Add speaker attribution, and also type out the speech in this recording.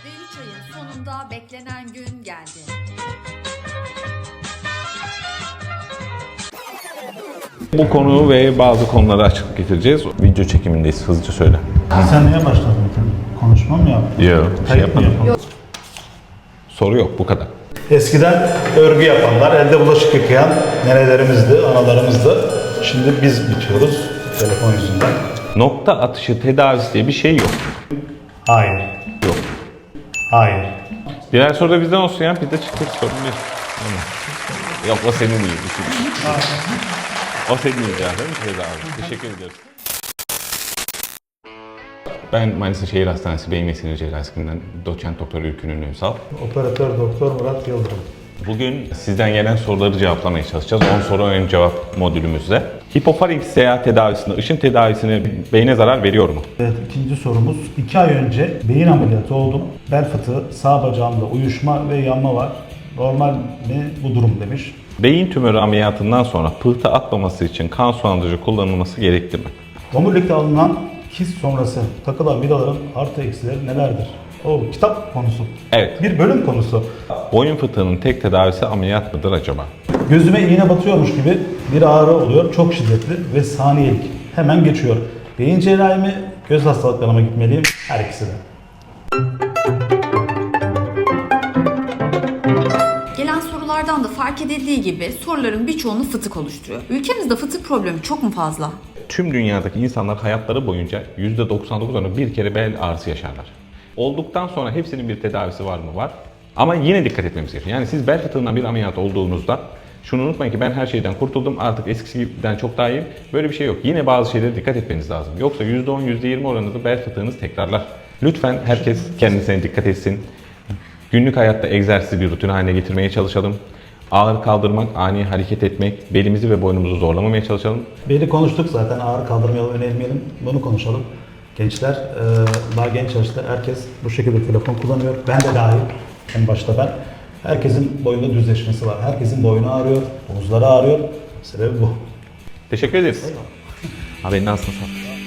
Speaker 1: Ve 3 ayın sonunda beklenen gün geldi.
Speaker 2: Bu konu ve bazı konulara açıklık getireceğiz. Video çekimindeyiz, hızlıca söyle.
Speaker 3: Sen niye başladın? Konuşma mı yaptın?
Speaker 2: Yok,
Speaker 3: Kayıt mı yapalım?
Speaker 2: Soru yok, bu kadar.
Speaker 3: Eskiden örgü yapanlar, elde bulaşık yıkayan nerelerimizdi, analarımızdı. Şimdi biz bitiyoruz telefon yüzünden.
Speaker 2: Nokta atışı tedavisi diye bir şey yok.
Speaker 3: Hayır.
Speaker 2: Yok.
Speaker 3: Hayır.
Speaker 2: Diğer soru da bizden olsun ya, biz de çıktık, sorun değil. Yok, o senin iyi. O senin iyi değil mi tedavi? Teşekkür ederiz. Ben Manisa Şehir Hastanesi Beyin ve Sinir Cerrahisi'nden doçent doktor Ülkü Ünsal.
Speaker 3: Operatör doktor Murat Yıldırım.
Speaker 2: Bugün sizden gelen soruları cevaplamaya çalışacağız. 10 soru ön cevap modülümüzde. Hipofaring seyahat tedavisinde ışın tedavisine beyne zarar veriyor mu?
Speaker 3: Evet, ikinci sorumuz. 2 ay önce beyin ameliyatı oldum. Bel fıtığı, sağ bacağımda uyuşma ve yanma var. Normal mi bu durum demiş.
Speaker 2: Beyin tümörü ameliyatından sonra pıhtı atmaması için kan sulandırıcı kullanılması gerekli mi?
Speaker 3: Omurilikte alınan kist sonrası takılan vidaların artı eksileri nelerdir? O kitap konusu.
Speaker 2: Evet.
Speaker 3: Bir bölüm konusu.
Speaker 2: Boyun fıtığının tek tedavisi ameliyat mıdır acaba?
Speaker 3: Gözüme iğne batıyormuş gibi bir ağrı oluyor. Çok şiddetli ve saniyelik. Hemen geçiyor. Beyin cerrahi mi, göz hastalıklarıma gitmeliyim? Her ikisi de.
Speaker 1: Gelen sorulardan da fark edildiği gibi soruların birçoğunu fıtık oluşturuyor. Ülkemizde fıtık problemi çok mu fazla?
Speaker 2: Tüm dünyadaki insanlar hayatları boyunca %99'unu bir kere bel ağrısı yaşarlar. Olduktan sonra hepsinin bir tedavisi var mı? Var. Ama yine dikkat etmemiz gerekiyor. Yani siz bel fıtığından bir ameliyat olduğunuzda şunu unutmayın ki ben her şeyden kurtuldum, artık eskisinden çok daha iyiyim. Böyle bir şey yok. Yine bazı şeylere dikkat etmeniz lazım. Yoksa %10, %20 oranında bel fıtığınız tekrarlar. Lütfen herkes kendisine dikkat etsin. Günlük hayatta egzersizi bir rutin haline getirmeye çalışalım. Ağır kaldırmak, ani hareket etmek, belimizi ve boynumuzu zorlamamaya çalışalım.
Speaker 3: Beli konuştuk zaten, ağır kaldırmayalım, önermeyelim. Bunu konuşalım. Gençler, daha genç yaşta herkes bu şekilde telefon kullanıyor. Ben de dahil, en başta ben. Herkesin boyunda düzleşmesi var. Herkesin boynu ağrıyor, omuzları ağrıyor. Sebebi bu.
Speaker 2: Teşekkür ederiz. Abi nasılsın?